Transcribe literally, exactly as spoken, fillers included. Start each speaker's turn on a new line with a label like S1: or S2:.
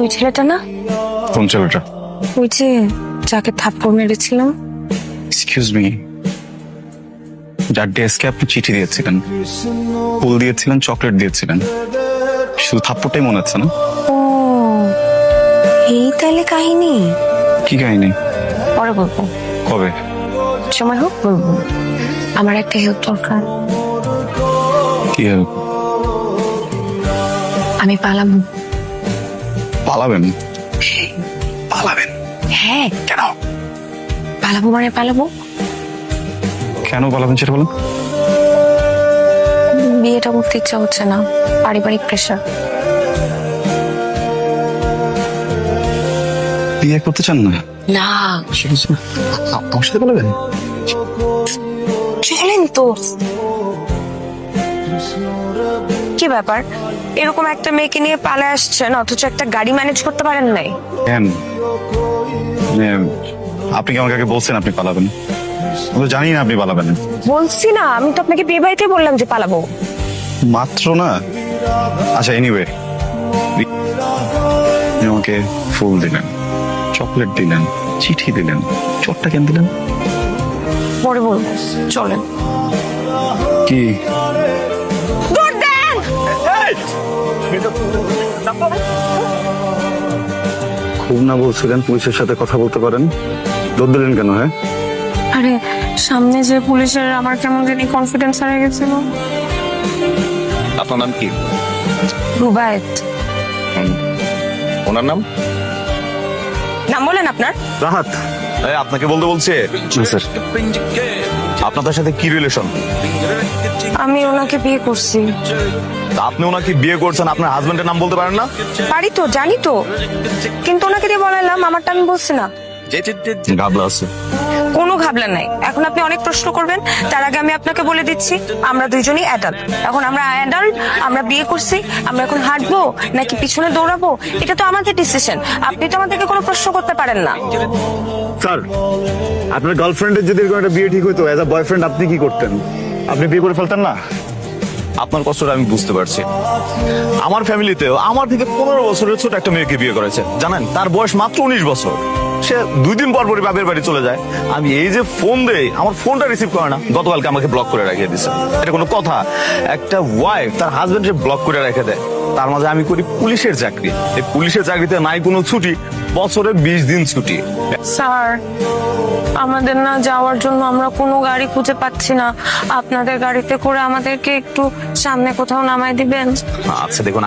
S1: ওই ছেলেটা না?
S2: কোন ছেলেটা?
S1: ওই যে যাকে থাপ্পড় মেরেছিলাম।
S2: এক্সকিউজ মি, যার ডেস্কে আপনি চিঠি দিয়েছিলেন, ফুল দিয়েছিলেন, চকলেট দিয়েছিলেন, শুধু থাপ্পড়টাই মনে হচ্ছে না?
S1: ও, এই তাহলে কাহিনী।
S2: কি কাহিনী?
S1: পরে বলবো,
S2: কবে?
S1: সময় হোক বলবো। আমার একটা হেল্প দরকার।
S2: কি help?
S1: আমি পালাবো।
S2: পালাবেন? পালাবেন?
S1: হ্যাঁ,
S2: কেন?
S1: পালাবো মানে পালাবো।
S2: কেন পালাবেন সেটা বলুন।
S1: বিয়েটা করতে ইচ্ছা হচ্ছে না, পারিবারিক প্রেশার।
S2: বিয়ে করতে চান না?
S1: না,
S2: আমার সাথে পালাবেন?
S1: চলেন তো। কি ব্যাপার, এরকম একটা মেয়েকে নিয়ে পালায় আসছেন অথচ একটা গাড়ি ম্যানেজ করতে পারেন নাই?
S2: কেন? মানে আপনি কি আমাকে আগে বলছেন আপনি পালাবেন? আমি তো জানি না আপনি পালাবেন।
S1: বলছি না, আমি তো আপনাকে বিয়ে বাড়িতে বললাম যে পালাবো।
S2: মাত্র না। আচ্ছা, এনিওয়ে, আমাকে ফুল দিলেন, চকলেট দিলেন, চিঠি দিলেন, চটটা কেন দিলেন?
S1: পরে বলবো, চলেন।
S2: কি?
S1: দৌড় দেন!
S2: খুব না বলছিলেন পুলিশের সাথে কথা বলতে পারেন, দৌড় দিলেন কেন? হ্যাঁ,
S1: আরে সামনে যে পুলিশের আমার কেমন জানি কনফিডেন্স হারিয়ে গেছিল।
S3: আপনার নাম কি?
S1: রুবায়েত।
S3: ওনার নাম?
S1: নাম বলেন আপনার।
S2: রাহাত।
S3: এই, আপনাকে বলতে বলছে।
S2: স্যার,
S3: আপনাদের সাথে কি রিলেশন?
S1: আমি ওনাকে বিয়ে করছি।
S3: আপনি ওনাকে বিয়ে করছেন, আপনার হাজবেন্ডের নাম বলতে পারেন না?
S1: পারি তো, জানি তো, কিন্তু ওনাকে দিয়ে বলাইলাম, আমারটা আমি বলছি না।
S3: গাবলা আছে।
S1: কোনো ঘাবলা নাই। এখন আপনি অনেক প্রশ্ন করবেন, তার আগে আমি আপনাকে বলে দিচ্ছি আমরা দুইজনই অ্যাডাল্ট। এখন আমরা অ্যাডাল্ট, আমরা বিয়ে করছি, আমরা এখন হাঁটবো নাকি পিছনে দৌড়াবো এটা তো আমাদের ডিসিশন। আপনি তো আমাদেরকে কোনো প্রশ্ন করতে পারেন না।
S2: স্যার, আপনার গার্লফ্রেন্ডের যদি এরকম একটা বিয়ে ঠিক হতো, অ্যাজ আ বয়ফ্রেন্ড আপনি কি করতেন? আপনি বিয়ে করে ফেলতেন না?
S3: আপনার কষ্টটা আমি বুঝতে পারছি। আমার ফ্যামিলিতেও আমার থেকে পনেরো বছরের ছোট একটা মেয়েকে বিয়ে করেছে, জানেন? তার বয়স মাত্র উনিশ বছর। সে দুই দিন পর পরই বাপের বাড়ি চলে যায়। আমি এই যে ফোন দেই, আমার ফোনটা রিসিভ করে না। গতকালকে আমাকে ব্লক করে রেখে দিছে। এটা কোনো কথা? একটা ওয়াইফ তার হাজবেন্ডকে ব্লক করে রেখে দেয়। তার মাঝে আমি করি পুলিশের চাকরি। এই পুলিশের চাকরিতে নাই কোনো ছুটি, বছরে বিশ দিন ছুটি।
S1: স্যার, আমাদের না যাওয়ার জন্য আমরা কোনো গাড়ি খুঁজে পাচ্ছি না। আপনাদের গাড়িতে করে আমাদেরকে একটু সামনে কোথাও নামাই দিবেন?
S3: আচ্ছা দেখুন,